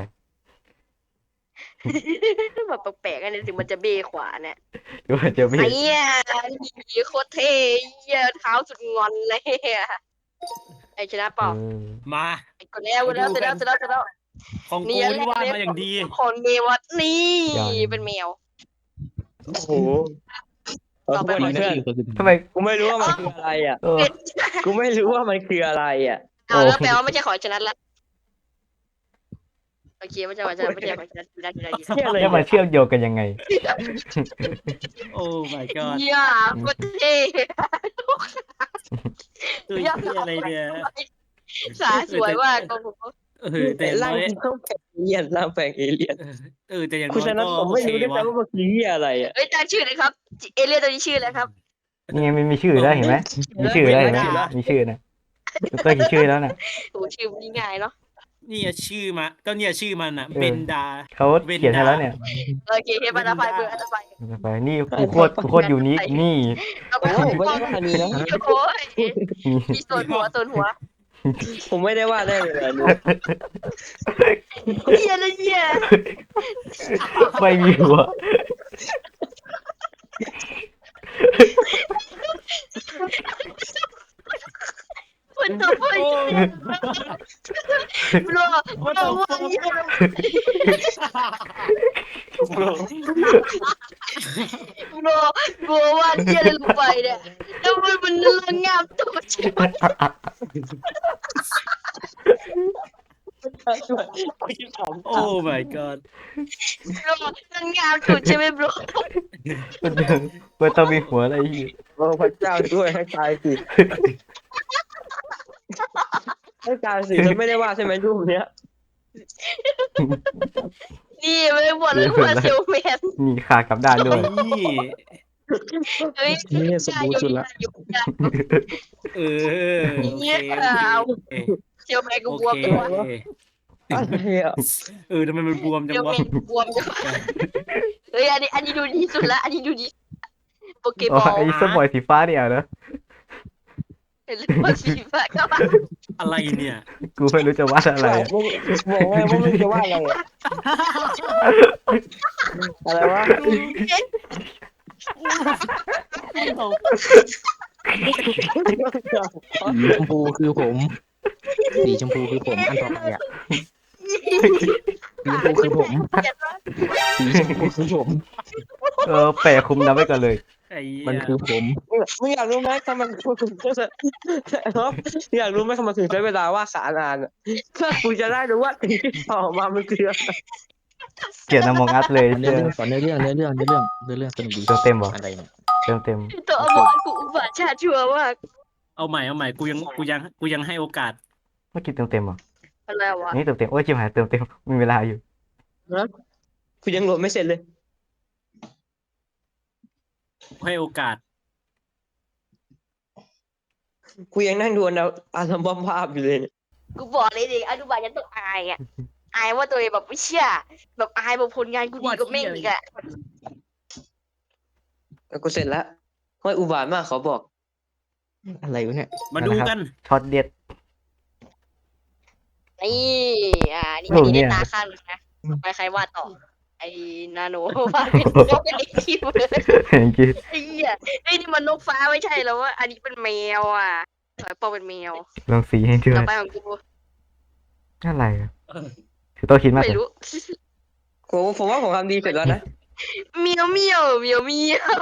[SPEAKER 2] แบบแปลกๆอันนี้ถึงมันจะเบ้ขวาเนี่ย
[SPEAKER 1] หรือว่าจะเบ้
[SPEAKER 2] ไอ้เนี่ยนี่โคตรเท่เหี้ยเท้าสุดงอนเลยอะไอ้ชนะเปล่า
[SPEAKER 1] เออ
[SPEAKER 4] มา
[SPEAKER 2] ไอ้คนแล้วคนแล้วเสร็จแล้วเสร็จแล้วเสร็จแล้ว
[SPEAKER 4] ของกู
[SPEAKER 2] นี่
[SPEAKER 4] นี่วาดมาอย่างดี
[SPEAKER 2] คนเมวัดนี่เป็นแมว
[SPEAKER 3] โอ้โหขอโทษนะเพื่อน
[SPEAKER 1] ทำไม
[SPEAKER 3] กูไม่รู้ว่ามันคืออะไรอ่ะ
[SPEAKER 1] เออ
[SPEAKER 3] กูไม่รู้ว่ามันคืออะไรอ่ะ
[SPEAKER 2] เอาแล้วแปลว่าไม่ใช่ของชนะละโอเคไม่ใช่ของชนะไม่ใช่ของชนะได้ได้ได้
[SPEAKER 3] เชี่ยอะไร
[SPEAKER 1] แล้วมันเชื่อมโยงกันยังไง
[SPEAKER 4] โอ้ my god
[SPEAKER 2] เยี่ยมก็เท่
[SPEAKER 4] ตัวเหี้ยอะไรเนี่ย
[SPEAKER 2] ขาสวยมากโอ้โห
[SPEAKER 4] เออแต่อย่าง
[SPEAKER 3] ร่าง
[SPEAKER 4] น้อย
[SPEAKER 3] ต้องแปลงเอเลี่ยนร่างแปลงเอเลี่ยน
[SPEAKER 4] เออแต่อย่าง
[SPEAKER 3] คุณ
[SPEAKER 4] น้อย
[SPEAKER 3] ฉะนั้น
[SPEAKER 4] ก็
[SPEAKER 3] ผม
[SPEAKER 4] โอ
[SPEAKER 3] ไม่
[SPEAKER 4] เค
[SPEAKER 3] รู้ด้วย
[SPEAKER 4] วะ
[SPEAKER 3] ซ้ำว่ามันคือเหี้ยอะไรอ่ะ
[SPEAKER 2] เอ้ยตั้งชื่อเลยครับเอเลี่ยนตัวนี้ชื่ออะไรครับ
[SPEAKER 1] นี่ไงมันมีชื่อแล้วเห็นไหมมีชื่อแล้วเห็นไหมมีชื่อนะก็มีชื่อแล้วนะ
[SPEAKER 2] โอ้ชื่อมันง่ายเนาะ
[SPEAKER 4] นี่อะชื่อมาก็เนี่ยชื่อมันอ่ะ
[SPEAKER 1] เออ
[SPEAKER 4] เบนดา
[SPEAKER 1] เขาเขียนให้แล้วเนี่ย
[SPEAKER 2] โอเคเฮ้ยบัตรไฟเบอร์บัตรไฟ
[SPEAKER 1] ไปนี่กูโคตรกูโคตรยูนิคนี่
[SPEAKER 2] เอาไป
[SPEAKER 3] โอ้ผมไม่ได้ว่าอันนี้นะ
[SPEAKER 2] โอ้ยมีส่วนหัวส่วนหัว
[SPEAKER 3] ผมไม่ได้ว่าได้เลยอันนี้
[SPEAKER 2] เยี่ยเลยเยี่ย
[SPEAKER 1] ไม่มีหัว
[SPEAKER 2] มันตัวไฟบลอบลวันเยี่ยบลบลวันเยี่ยเลยลงไปเนี่ยแล้วมันมันระงับตัวใช่ไหม
[SPEAKER 3] กูจะถาม
[SPEAKER 4] โอ้ my god
[SPEAKER 2] บลระงับตัวใช่ไหมบล
[SPEAKER 1] มันมันต้องมีหัวอะไรอีก
[SPEAKER 3] โอ้พระเจ้าช่วยให้ตายสิให้ตายสิแล้วไม่ได้ว่าใช่ไหมรูปเนี้ย
[SPEAKER 2] นี่ไม่หมดเลยว่าเซลแมน
[SPEAKER 1] มีขากลับด้านด้วย
[SPEAKER 4] นี่
[SPEAKER 2] เฮ้ย
[SPEAKER 5] นี่สมบูรณ์สุดละ
[SPEAKER 4] เออโอเคโอเค
[SPEAKER 2] เซลแมนกู
[SPEAKER 4] โอบ
[SPEAKER 2] วม
[SPEAKER 4] เค
[SPEAKER 2] จังวะ
[SPEAKER 4] โอเค
[SPEAKER 3] อะไรอ่ะ
[SPEAKER 4] เออทำไมมันบวมจั
[SPEAKER 2] เซ
[SPEAKER 4] ง
[SPEAKER 2] ลแม
[SPEAKER 4] วะ
[SPEAKER 2] นบวมจังวะเฮ้ยอันนี้อันนี้ดูดีสุดละอันนี้ดูดีโปเกม
[SPEAKER 1] อ๋อ
[SPEAKER 2] อล
[SPEAKER 1] ไอ้สมอยสีฟ้าเนี่ยนะ
[SPEAKER 2] เห็นหรือว่าสีฟ้าก็มา
[SPEAKER 4] อะไรเนี่ย
[SPEAKER 1] กูไม่รู้จะวาดอะไร
[SPEAKER 3] บอกบอกไงว่าไม่จะว่าอะไรอ่ะอะไรวะ
[SPEAKER 5] สีชมพูคือผม สีชมพูคือผมอันต่อไปอ่ะสีชมพูคือผม สีชมพูคือผม
[SPEAKER 1] เออแปะคุมน้ำไว้ก่อนเลย
[SPEAKER 4] ไอ้เหี้ย
[SPEAKER 5] มันคือผม
[SPEAKER 3] มึงอยากรู้ไหมทำไมกูถึงจะครับอยากรู้ไหมทำไมถึงใช้เวลาว่าสารนานอ่ะเพื่อกูจะได้รู้ว่าสิ่งที่ต่อมามันคืออะไร
[SPEAKER 1] เกลียดนามองอัดเลย
[SPEAKER 5] เนื้อ
[SPEAKER 1] เชื่อ
[SPEAKER 5] เรื่องก่อนเนื้อเรื่องเนื้อเรื่องเนื้อเรื่องเนื้อเรื่องสนุกดี
[SPEAKER 1] เติมเต็มเหรอ
[SPEAKER 5] อะไรเนี่ย
[SPEAKER 1] เติมเต็ม
[SPEAKER 2] ตัวอมรกูอุบาทชาติชั่วมาก
[SPEAKER 4] เอาใหม่เอาใหม่กูยังกูยังกูยังให้โอกาส
[SPEAKER 1] เมื่อกี้เติมเต็มเหรอ
[SPEAKER 2] อะไรวะ
[SPEAKER 1] นี่เติมเต็มโอ้ยจิมหายเติมเต็มมีเวลาอยู่
[SPEAKER 3] กูยังโหลดไม่เสร็จเลย
[SPEAKER 4] ให้โอกาส
[SPEAKER 3] กูยังนั่งดูอันอัลบั้มภาพอยู่เลยเนี่ย
[SPEAKER 2] กูบอกเลยดิอนุบาลยังต้องอายอ่ะอายว่าตัวเองแบบไม่เชื่อแบบอายแบบผลงานกูดีกว่าแม่งอีกอ่ะ
[SPEAKER 3] แล้วกูเสร็จแล้วห้อยอุบาทมากขอบอก
[SPEAKER 5] อะไรวะเนี่ย
[SPEAKER 4] มาดูกัน
[SPEAKER 1] ช็อตเด็ด
[SPEAKER 2] นี่อ่านี่
[SPEAKER 1] โอ้
[SPEAKER 2] อัน
[SPEAKER 1] เนี่
[SPEAKER 2] นี้
[SPEAKER 1] ย
[SPEAKER 2] ตาข้างหนึงนะไปใครวาดต่อไอ้นาโนวาดเป็นนกเป็นไอ้คิวเลย
[SPEAKER 1] เห็นกี้
[SPEAKER 2] ไอ้เหี้ยไอ้นี่มันนกฟ้าไม่ใช่แล้วว่าอันนี้เป็นแมวอ่ะสอยปอเป็นแมว
[SPEAKER 1] ลองสีให้ด้ว
[SPEAKER 2] ต่อย ไปของกู
[SPEAKER 1] อะไรอะคือต้องคิดมาก
[SPEAKER 2] ไม่
[SPEAKER 1] เลย
[SPEAKER 2] รู้
[SPEAKER 3] ผมผมว่าผมทำดีเสร็จแล้วนะ
[SPEAKER 2] เมียวเมียวเมียวเมียว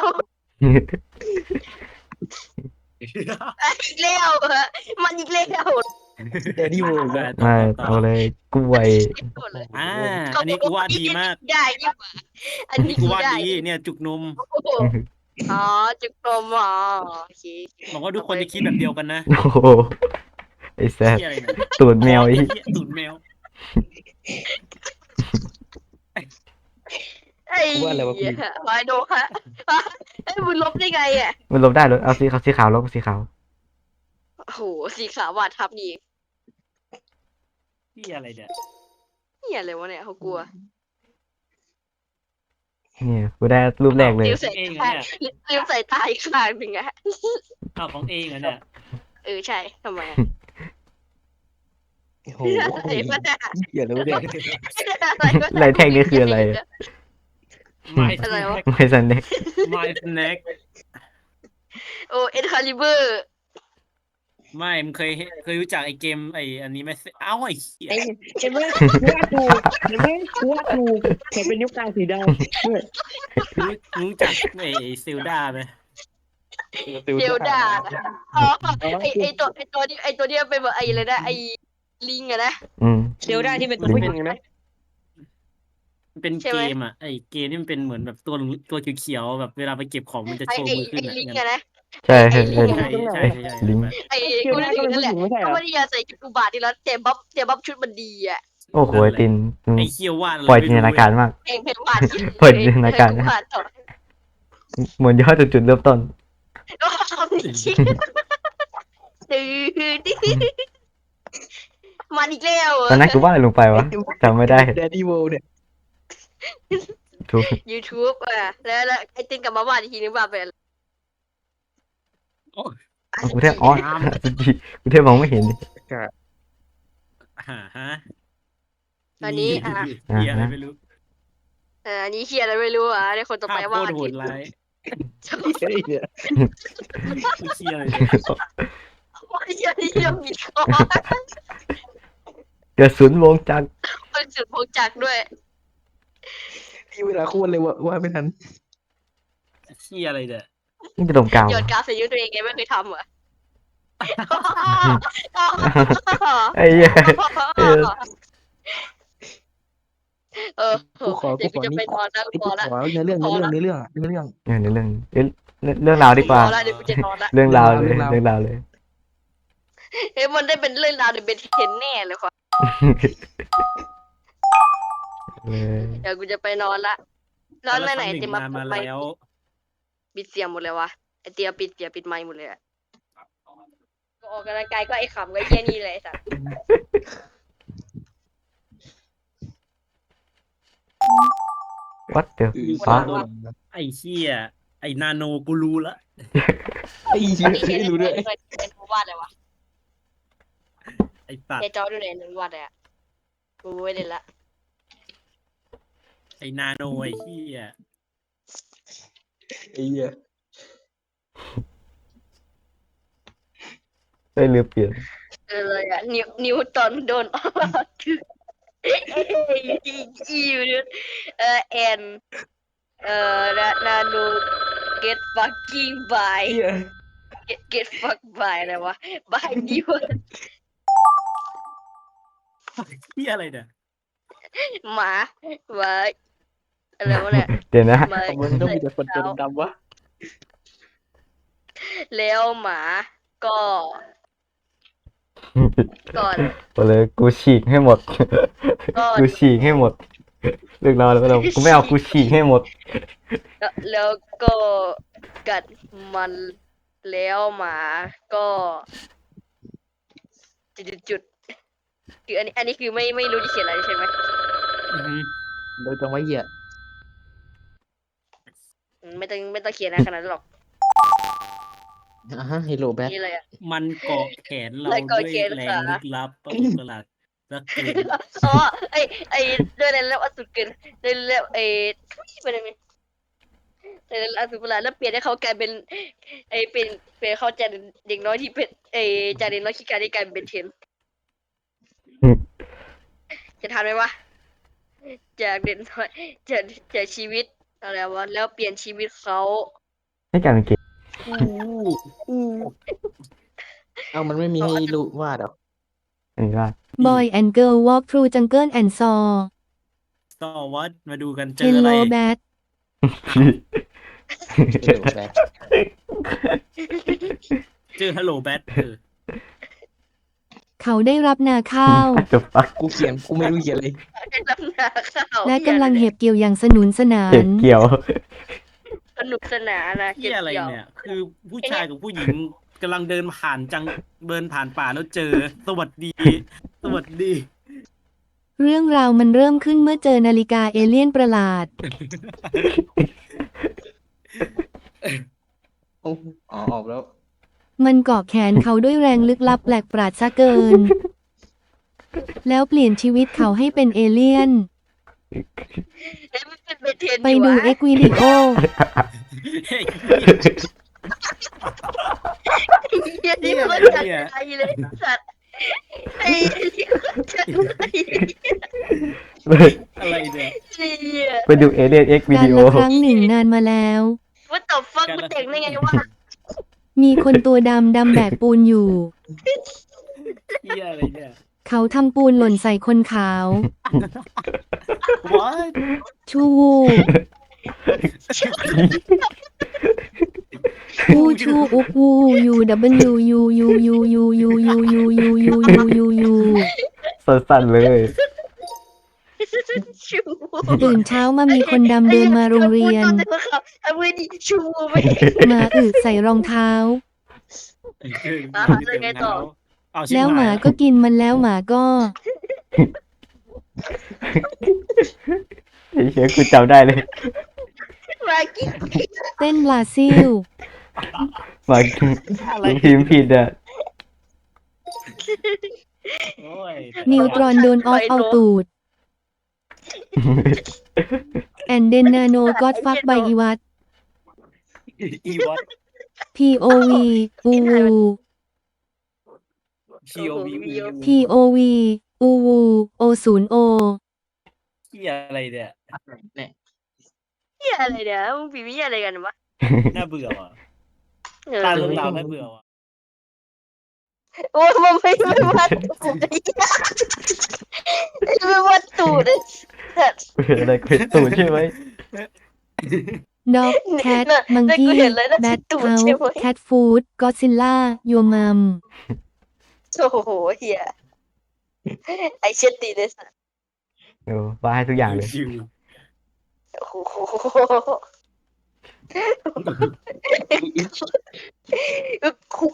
[SPEAKER 2] อีกแล้วฮะมันอีกแล้ว
[SPEAKER 3] เดี๋ยวดีโว้ย
[SPEAKER 1] มาเอาเลยกล้วย
[SPEAKER 4] อ่าอันนี้กูวาดดีมาก
[SPEAKER 2] ได้ยิ่งกว่าอันนี้
[SPEAKER 4] กู
[SPEAKER 2] กู
[SPEAKER 4] วาด
[SPEAKER 2] ได้
[SPEAKER 4] ดีเนี่ยจุกนม
[SPEAKER 2] โอ้โหอ๋อจุกนมอ๋อโอเค
[SPEAKER 4] หวังว่าทุกคนจะคิดแบบเดียวกันนะ
[SPEAKER 1] โอ้โหไอ้แซ่บ
[SPEAKER 4] เหี้ยอะไรเนี่ย
[SPEAKER 1] ตูดแมวไอ้
[SPEAKER 4] เหี้ยตูดแมว
[SPEAKER 2] ไอ้เหี้ยมาโดฮะไอ้มึงลบได้ไงอ่ะ
[SPEAKER 1] มันลบได้เลยเอาสีขาวสีขาวลบสีขาว
[SPEAKER 2] โอ้โหสีขาววาดทับนี่
[SPEAKER 4] เหี้ยอะไรเนี่ย
[SPEAKER 2] เหี้ยอะไรวะเนี่ยเขากลัว
[SPEAKER 1] เนี่ยกูได้รูปแรกเลย
[SPEAKER 2] ลืมใส่ตาลืมใส่ตาอีกข้างหนึ่งอะ
[SPEAKER 4] อ้าวของเองเหรอเนี่ย
[SPEAKER 2] เออใช่ทำไมอะ
[SPEAKER 5] โอ้โห
[SPEAKER 2] อะไรวะเนี่ย
[SPEAKER 5] เหี้ยอะไรวะเนี่ย
[SPEAKER 1] ลายแท่งนี่คืออะไรอะ
[SPEAKER 4] My
[SPEAKER 2] อะไรวะ
[SPEAKER 4] snack
[SPEAKER 1] ไม่สันเด็ก
[SPEAKER 4] My snack
[SPEAKER 2] โอ้เอ็นคาลิเบอร์
[SPEAKER 4] ไม่มึงเคยเห็นเคยรู้จักไอ้เกมไอ้อันนี้ไหมเอ้าไอ้เหี้ย
[SPEAKER 3] เห็นไหมว่าถูกเห็นไหมว่าถูกเห็นเป็นนิ้วกลางสีดำ
[SPEAKER 4] รู้รู้จักไอ้เซลดาไหม
[SPEAKER 2] เดลดาอ๋อไอไอตัวไอตัวนี้ไอตัวนี้เป็นแบบไออะไรนะไอลิงอะนะ
[SPEAKER 1] อืม
[SPEAKER 3] เดี๋ยวได้ที่เป็นตัว
[SPEAKER 1] ลิง
[SPEAKER 3] ผู้หญิงไหม
[SPEAKER 4] มันเป็น
[SPEAKER 2] ใช่
[SPEAKER 4] เก
[SPEAKER 2] ไหม
[SPEAKER 4] มอ่ะไอเกมนี่มันเป็นเหมือนแบบตัวตัวเขียวๆแบบเวลาไปเก็บของมันจะ
[SPEAKER 2] ไอ
[SPEAKER 4] โชว์
[SPEAKER 2] ไอ
[SPEAKER 4] มือ
[SPEAKER 2] ไอ
[SPEAKER 4] ขึ้นอ่ะ
[SPEAKER 2] ลิง
[SPEAKER 4] งั้น
[SPEAKER 2] อะนะ
[SPEAKER 1] ใช่
[SPEAKER 2] ไอ้
[SPEAKER 1] ใช่
[SPEAKER 2] ลิง
[SPEAKER 1] ใช่
[SPEAKER 4] ใช่ใช่ใช่ใช่
[SPEAKER 1] ลิง
[SPEAKER 2] ไอคนนั้นนั่นแหละเขาไม่ได้ยาใส่จุดอุบาทนี่แล้วเจมบับเจมบับชุดมันดีอ่ะ
[SPEAKER 1] โอ้โหไอ้ตินอืม
[SPEAKER 4] ไอเคียววาดอะไร
[SPEAKER 1] ปล่อย
[SPEAKER 4] ไม่
[SPEAKER 1] จินต
[SPEAKER 4] รู้
[SPEAKER 1] นาการมาก
[SPEAKER 2] เองเป็นวาด
[SPEAKER 1] เปิดจินตนาการนะ
[SPEAKER 2] วาดต่อ
[SPEAKER 1] เหมือนย้อนจากจุดเริ่มต้น
[SPEAKER 2] ก็ทำนี่ชิดื้อดื้อมันอีกแล้ว
[SPEAKER 1] ตอนนั้นกูว่าอะไรลงไปวะจำไม่ได้
[SPEAKER 5] แดดดี้โวเนี่ย
[SPEAKER 1] ถูก
[SPEAKER 2] ยูทูบอ่ะแล้วแล้วไอตินกลับมาวาดอีกทีนึงวาดไปอะไร
[SPEAKER 1] กูแทบอ๋อกูแทบมองไม่เห็น
[SPEAKER 4] อ่าฮะ
[SPEAKER 2] อันนี้อ่ะ
[SPEAKER 4] เฮียอะไรไม่รู้
[SPEAKER 2] อ่าอันนี้เชียร์อะไรไม่รู้อ่ะในคนต่อ
[SPEAKER 4] ภา
[SPEAKER 2] ไป
[SPEAKER 4] พโค
[SPEAKER 2] ว่า
[SPEAKER 4] ตรโหดร้าย
[SPEAKER 5] เฮ้ยเนี่ย
[SPEAKER 4] ไม่เชียอะไรเลย
[SPEAKER 2] ว่าเชียร์ที่ยังมีคอ
[SPEAKER 1] เกิดศูนย์วงจักร
[SPEAKER 2] เป็นสุดพงจักรด้วย
[SPEAKER 5] ที่เวลาควรเลยว่าว่าไม่ทัน
[SPEAKER 4] เชียอะไรเนี่ย
[SPEAKER 1] นี่จะตรงกลาง
[SPEAKER 2] โยน
[SPEAKER 1] วะ
[SPEAKER 2] กราฟใส่ยุตัวเองไงไม่เคยทำเหรอ
[SPEAKER 1] ไอ้เหี้ย เออ
[SPEAKER 2] เออ
[SPEAKER 5] กูขอกู
[SPEAKER 2] เดี๋ยว
[SPEAKER 5] ข
[SPEAKER 2] กู
[SPEAKER 5] อ
[SPEAKER 2] จะ
[SPEAKER 5] นี่
[SPEAKER 2] ไปนอนแล้ว
[SPEAKER 5] นี่
[SPEAKER 2] พ
[SPEAKER 5] กู
[SPEAKER 2] อละ
[SPEAKER 5] ขอเนื้อเรื่องเนื้อเรื่องเนื้อเรื่องเนื้อเรื่อง
[SPEAKER 1] เนี่ยในเรื่องเอ้ยเรื่องเรื่องราวดีกว่า
[SPEAKER 2] พอละเดี๋ยวกูจะนอนละ
[SPEAKER 1] เรื่องราวเลย
[SPEAKER 5] เรื่องราว
[SPEAKER 1] เรื่องราวเลย
[SPEAKER 2] เอ้ยมันได้เป็นเรื่องราวในเบนเทนแน่เลยค่ะ
[SPEAKER 1] เออ
[SPEAKER 2] เดี๋ยวกูจะไปนอนละนอนไปไหน
[SPEAKER 4] แต่
[SPEAKER 2] เต็ม
[SPEAKER 4] ละ
[SPEAKER 2] มา
[SPEAKER 4] ครั้งหนึ่งนานมา
[SPEAKER 2] ไป
[SPEAKER 4] แล้ว
[SPEAKER 2] ปิดเสียงหมดเลยวะไอเตียปิดเสียงปิดไมค์หมดเลยอะก็ออกกำลังกายก็ไอขำก็ไอ้เหี้ยนี่เลยไอ้สัส
[SPEAKER 1] วัดเดี๋ยว
[SPEAKER 2] ฟ้า
[SPEAKER 1] ฟ้า
[SPEAKER 4] ไอ้เชี่ยไอ้นาโนกูรู้ละ
[SPEAKER 5] ไอ้เหี้ย
[SPEAKER 2] นี่เขียน
[SPEAKER 5] ไม่รู้ด้วย
[SPEAKER 2] ในในในวาดอะไรวะ
[SPEAKER 4] ไอ้สัต
[SPEAKER 2] ใน
[SPEAKER 4] ว์
[SPEAKER 2] จอดูในในวาดอะไรอะกูไม่เล่นละ
[SPEAKER 4] ไอ้นาโนไอ้เชี่ย
[SPEAKER 5] ไอ้เหี้ย
[SPEAKER 1] ได้เรือเปลี่ยน
[SPEAKER 2] เออเลยอะนิวนิวตันโดนออกคือเอ้ยอีอยู่เนี่ยเออแอนเออนานานู get fucking by
[SPEAKER 5] ไอ้เหี้ย
[SPEAKER 2] get get fuck by อะไรวะ by นิว
[SPEAKER 4] เชี่ยอะไรเนี่ย
[SPEAKER 2] หมาหมาอะไรวะเนี่ย
[SPEAKER 1] เดี๋ยวนะ
[SPEAKER 2] หมา
[SPEAKER 5] ทำไมต้องมีแต่คนตัวดำๆวะ
[SPEAKER 2] แล้วหมาก็ก่อน
[SPEAKER 1] ไปเลยกูฉีกให้หมด
[SPEAKER 2] ก็
[SPEAKER 1] กูฉีกให้หมด เรื่องราวแล้วก็เรากูไม่เอากูฉีกให้หมด
[SPEAKER 2] แล้วแล้วก็กัดมันแล้วหมาก็จุดจุดๆคืออันนี้อันนี้คือไม่ไม่รู้จะเขียนอะไรใช่ไหม
[SPEAKER 4] อือฮึ
[SPEAKER 5] โดยตรงว่าเหี้ย
[SPEAKER 2] อืมไม่ต้องไม่ต้องเขียนนะขนาดนั้นหรอก
[SPEAKER 5] อ่าฮะเฮลโลแบท
[SPEAKER 2] นี่เลยอะ
[SPEAKER 4] มันเกาะแขนเรา
[SPEAKER 2] แล้วเกาะ
[SPEAKER 4] ด้วย
[SPEAKER 2] แขน
[SPEAKER 4] แร
[SPEAKER 2] ขา
[SPEAKER 4] งลึกลับประหลาดประหลาดสักเกิน
[SPEAKER 2] อ๋อไอไอด้วยในแล้วอสุดเกินในแล้วไอทุยไปเลยไหมในแล้วอสุดประหลาดแล้วเปลี่ยนให้เขากลายเป็นไอเป็นเป็นเขาจากเด็กน้อยที่เป็นไอจากเด็กน้อยขี้การที่กลายเป็นเทน
[SPEAKER 1] อืม
[SPEAKER 2] จะทันไหมวะจากเด็กน้อยจากจากชีวิตอะไรวะแล้วเปลี่ยนชีวิตเขา
[SPEAKER 1] ให้กลายเป็นเกม
[SPEAKER 5] เอ้ามันไม่มีให้รู้วาดเหรอ
[SPEAKER 1] อันนี้ว่า
[SPEAKER 6] Boy and Girl Walk Through Jungle and Saw
[SPEAKER 4] ต่อวัดมาดูกันเจออะไร
[SPEAKER 6] Hello Bat
[SPEAKER 5] เฮลโลแบท
[SPEAKER 4] เจอฮัลโหลแบทเออ
[SPEAKER 6] เขาได้รับนาข้าว
[SPEAKER 1] จะฟัก
[SPEAKER 5] กูเขียนกูไม่รู้เขียนเลย
[SPEAKER 2] ได้รับนาข้าว
[SPEAKER 6] และกำลังเห็บเกี่ยวอย่างสนุนสนา
[SPEAKER 1] เก็บ
[SPEAKER 6] น
[SPEAKER 1] เกี่ยว
[SPEAKER 2] สนุกสนานนะ
[SPEAKER 4] เชี่ยอะไร
[SPEAKER 2] กี่ว
[SPEAKER 4] เนี่ย คือผู้ชายกับผู้หญิงกำลังเดินผ่านจังเดินผ่านป่าแล้วเจอ สวัสดี สวัสดี
[SPEAKER 6] เรื่องราวมันเริ่มขึ้นเมื่อเจอนาฬิกาเอเลี่ยนประหลาด
[SPEAKER 5] อ๋อออกแล้ว
[SPEAKER 6] มันเกาะแขนเขาด้วยแรงลึกลับแปลกประหลาดซะเกิน แล้วเปลี่ยนชีวิตเขาให้เป็นเอเลี่ยน
[SPEAKER 2] เอ้ยมันเป็นเบนเทน
[SPEAKER 6] ไป
[SPEAKER 2] อยู่
[SPEAKER 6] ดู
[SPEAKER 2] วะ
[SPEAKER 6] เอ็กวิดีโอ
[SPEAKER 4] เฮ้ย
[SPEAKER 2] เหี้ยนี่มันจัดใจเลยสัตว์ไอ้จัดใจ
[SPEAKER 4] อะไรเนี่ย
[SPEAKER 2] เนี่ย
[SPEAKER 1] ไปดูเอเลียนเอ็กวิ
[SPEAKER 6] การ
[SPEAKER 1] ดีโอ
[SPEAKER 6] ละครั้งหนึ่งนานมาแล้ว
[SPEAKER 2] ว่าต่อฟักมันแต่งได้ไงวะ
[SPEAKER 6] มีคนตัวดำดำแบกปูนอยู่
[SPEAKER 4] เฮียอะไรเนี่ย
[SPEAKER 6] เขาทำปูนหล่นใส่คนขาว
[SPEAKER 4] ว้าย
[SPEAKER 6] ชูวูวูชูอุกวูยูดับเบิลยูยูยูยูยูยูยูยูยูยูยูยูยู
[SPEAKER 1] สั้นๆเลย
[SPEAKER 2] ชู
[SPEAKER 6] ตื่นเช้ามามีคนดำเดินมาโรงเรียน
[SPEAKER 2] ทำไมดิชูไม่
[SPEAKER 6] หมาอึใส่รองเท้า
[SPEAKER 2] อ่ะแล้วไงต่อ
[SPEAKER 4] เอาชิบ
[SPEAKER 6] แล้วหมา
[SPEAKER 4] าย
[SPEAKER 6] ก็กินมันแล้วหมาก็
[SPEAKER 1] ไอ้เชี่ยกูจำได้เลย
[SPEAKER 2] มากิน
[SPEAKER 6] เต้นบราซิล
[SPEAKER 1] มากูพิมพ์ผิดอ่ะ
[SPEAKER 4] โอ้ย
[SPEAKER 6] นิวตรอนโดนออฟเอาตูด แอนเดนนาโนก็อดฟักใบอีวัต
[SPEAKER 4] อีวอต
[SPEAKER 6] พี โอ วี อูวู
[SPEAKER 4] พีโอวี
[SPEAKER 6] พี โอ วี อูวู โอ ศูนย์ โอ
[SPEAKER 4] เฮียอะไรเนี่ย
[SPEAKER 3] เนี่ย
[SPEAKER 2] เหี้ยอะไรเนี่ยมึงปีวิอะไรกันวะ
[SPEAKER 4] น่าเบื่อว่ะ
[SPEAKER 2] เออ
[SPEAKER 4] ตาลงตาน่าเบื่อว่ะ
[SPEAKER 2] โอ้ยมันไม่ไม่วัดตูดไอ้ไม่วัดตูดเลย
[SPEAKER 1] อะไรเป็นตูดใช่ไหม
[SPEAKER 6] ด็อกแคทมังกี้แบทเฮาส์แคทฟูดก็ซิลล่ายัวมัม
[SPEAKER 2] โอ้โหเฮียไอเช็ดตีเลยสัส
[SPEAKER 1] เออว่าให้ทุกอย่างเลย
[SPEAKER 4] ชิว
[SPEAKER 2] โอ้โหคุ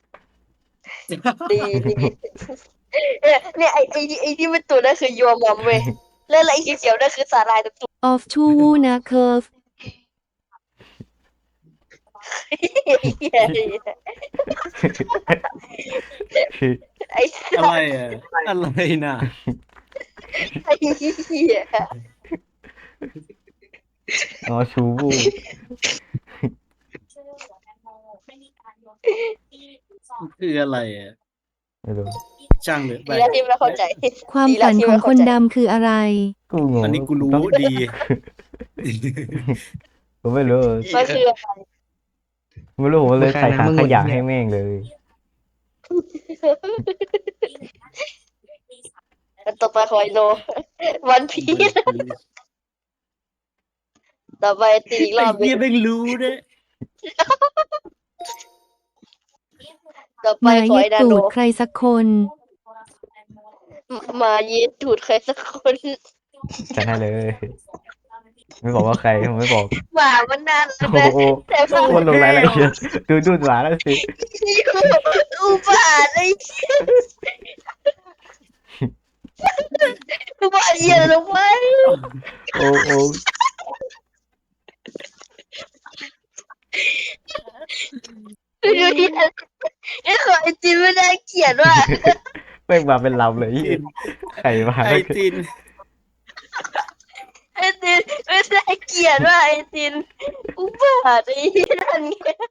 [SPEAKER 2] ดีดีเนี่ยเนี่ยไอไอไอที่มันตัวนั่นคือยัวมัมเว้ยแล้วไอเขียวๆนั่นคือสาหร่ายตัว
[SPEAKER 6] ออฟชูวูนะเคิร์ฟ
[SPEAKER 2] เฮียไอ
[SPEAKER 4] อะไรอ่ะอะไรน่ะ
[SPEAKER 2] ไอเฮีย
[SPEAKER 1] อ๋อชูบู
[SPEAKER 4] คืออะไรอ่ะ
[SPEAKER 1] ไม่รู้
[SPEAKER 4] ช่างเลยไป
[SPEAKER 2] ดีแล้วที่ไม่เข้าใจ
[SPEAKER 6] ความฝันของคนดำคืออะไร
[SPEAKER 1] กูงง
[SPEAKER 4] อันนี้กูรู้
[SPEAKER 1] ต้อง
[SPEAKER 4] ดี
[SPEAKER 1] กูไม่รู้
[SPEAKER 2] มันคืออะไร
[SPEAKER 1] ไม่รู้ผมเลยใส่ถังขยะให้แม่งเลย
[SPEAKER 2] ต่อไปคอยโนวันพีชต่อไปตีอีกร
[SPEAKER 4] ไอ้
[SPEAKER 2] อบหนึ
[SPEAKER 4] เหี้ย
[SPEAKER 2] ง
[SPEAKER 4] ไม่รู้เนี่ย
[SPEAKER 2] ต่อ
[SPEAKER 6] ห
[SPEAKER 2] ไป
[SPEAKER 6] มา
[SPEAKER 2] คอ
[SPEAKER 6] เย็
[SPEAKER 2] ย
[SPEAKER 6] ด
[SPEAKER 2] ดา
[SPEAKER 6] ตู
[SPEAKER 2] โน
[SPEAKER 6] ดใครสักคน
[SPEAKER 2] มาเย็ดถูดใครสักคน
[SPEAKER 1] จะให้เลย ไม่บอกว่าใครผมไม่บอก
[SPEAKER 2] หมามันนานแล้ว
[SPEAKER 1] โอ้
[SPEAKER 2] นะ
[SPEAKER 1] โห
[SPEAKER 2] แต่พอ
[SPEAKER 1] คนลงรายละเอียดดูดูหมาแล้วสิ
[SPEAKER 2] อุบาทไอ้เหี้ยอุบาทเหี้ยลงไป
[SPEAKER 1] โอ้โอ้
[SPEAKER 2] ดูดิไอ้ขอไอจีไม่ได้เขียนว่า
[SPEAKER 1] แม่งมาเป็นลำเลยใครมา
[SPEAKER 4] ไอจิน
[SPEAKER 2] ไอจีไม่ได้เขียนว่าไอจีอุบาทไอ้เหี้ยนั่นไง